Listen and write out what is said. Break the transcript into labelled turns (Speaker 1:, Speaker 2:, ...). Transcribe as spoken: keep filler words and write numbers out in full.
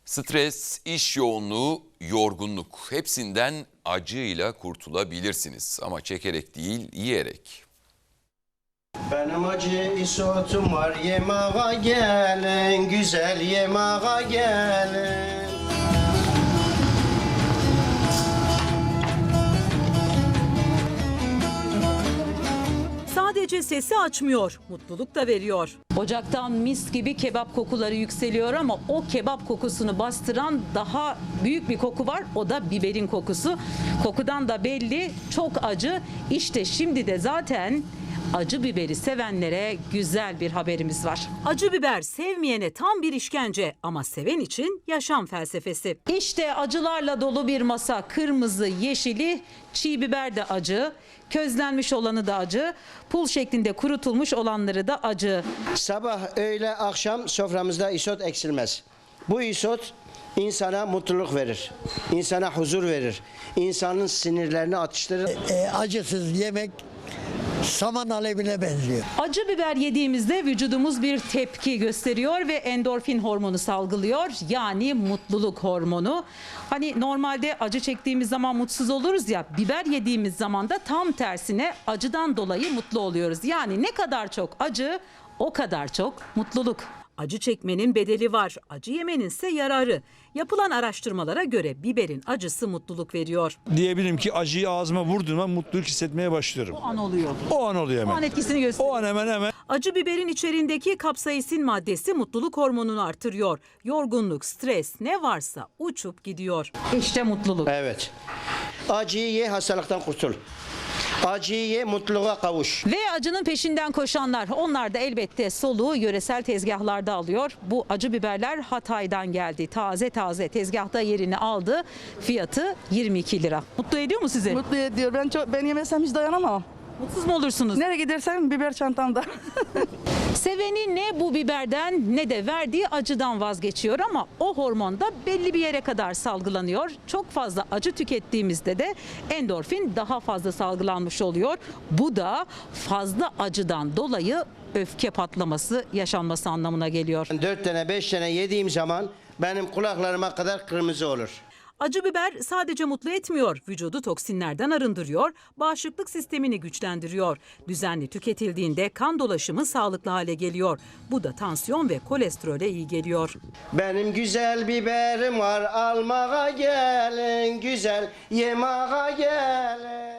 Speaker 1: Stres, iş yoğunluğu, yorgunluk hepsinden acıyla kurtulabilirsiniz ama çekerek değil, yiyerek.
Speaker 2: Benim acı isotum var, yemeğe gelin, güzel yemeğe gelin.
Speaker 3: Sadece sesi açmıyor, mutluluk da veriyor.
Speaker 4: Ocaktan mis gibi kebap kokuları yükseliyor ama o kebap kokusunu bastıran daha büyük bir koku var. O da biberin kokusu. Kokudan da belli, çok acı. İşte şimdi de zaten acı biberi sevenlere güzel bir haberimiz var.
Speaker 3: Acı biber sevmeyene tam bir işkence ama seven için yaşam felsefesi.
Speaker 4: İşte acılarla dolu bir masa. Kırmızı, yeşili, çiğ biber de acı. Közlenmiş olanı da acı. Pul şeklinde kurutulmuş olanları da acı.
Speaker 2: Sabah, öğle, akşam soframızda isot eksilmez. Bu isot insana mutluluk verir, insana huzur verir, insanın sinirlerini atıştırır.
Speaker 5: E, acısız yemek saman alevine benziyor.
Speaker 4: Acı biber yediğimizde vücudumuz bir tepki gösteriyor ve endorfin hormonu salgılıyor. Yani mutluluk hormonu. Hani normalde acı çektiğimiz zaman mutsuz oluruz ya, biber yediğimiz zaman da tam tersine acıdan dolayı mutlu oluyoruz. Yani ne kadar çok acı, o kadar çok mutluluk.
Speaker 3: Acı çekmenin bedeli var, acı yemenin ise yararı. Yapılan araştırmalara göre biberin acısı mutluluk veriyor.
Speaker 6: Diyebilirim ki acıyı ağzıma vurduğumda mutluluk hissetmeye başlıyorum.
Speaker 4: O an oluyor.
Speaker 6: O an oluyor hemen.
Speaker 4: O an etkisini gösteriyor.
Speaker 6: O an hemen hemen.
Speaker 3: Acı biberin içeriğindeki kapsaisin maddesi mutluluk hormonunu artırıyor. Yorgunluk, stres ne varsa uçup gidiyor.
Speaker 4: İşte mutluluk.
Speaker 2: Evet. Acıyı ye, hastalıktan kurtul. Acıyı ye, mutluluğa kavuş.
Speaker 4: Ve acının peşinden koşanlar, onlar da elbette soluğu yöresel tezgahlarda alıyor. Bu acı biberler Hatay'dan geldi. Taze taze tezgahta yerini aldı. Fiyatı yirmi iki lira. Mutlu ediyor mu sizi?
Speaker 7: Mutlu ediyor. Ben çok ben yemesem hiç dayanamam.
Speaker 4: Mutsuz mu olursunuz?
Speaker 7: Nereye gidersem biber çantamda.
Speaker 4: Seveni ne bu biberden ne de verdiği acıdan vazgeçiyor ama o hormon da belli bir yere kadar salgılanıyor. Çok fazla acı tükettiğimizde de endorfin daha fazla salgılanmış oluyor. Bu da fazla acıdan dolayı öfke patlaması yaşanması anlamına geliyor.
Speaker 2: Dört tane, beş tane yediğim zaman benim kulaklarıma kadar kırmızı olur.
Speaker 3: Acı biber sadece mutlu etmiyor, vücudu toksinlerden arındırıyor, bağışıklık sistemini güçlendiriyor. Düzenli tüketildiğinde kan dolaşımı sağlıklı hale geliyor. Bu da tansiyon ve kolesterole iyi geliyor.
Speaker 2: Benim güzel biberim var, almaya gelin, güzel yemeğe gelin.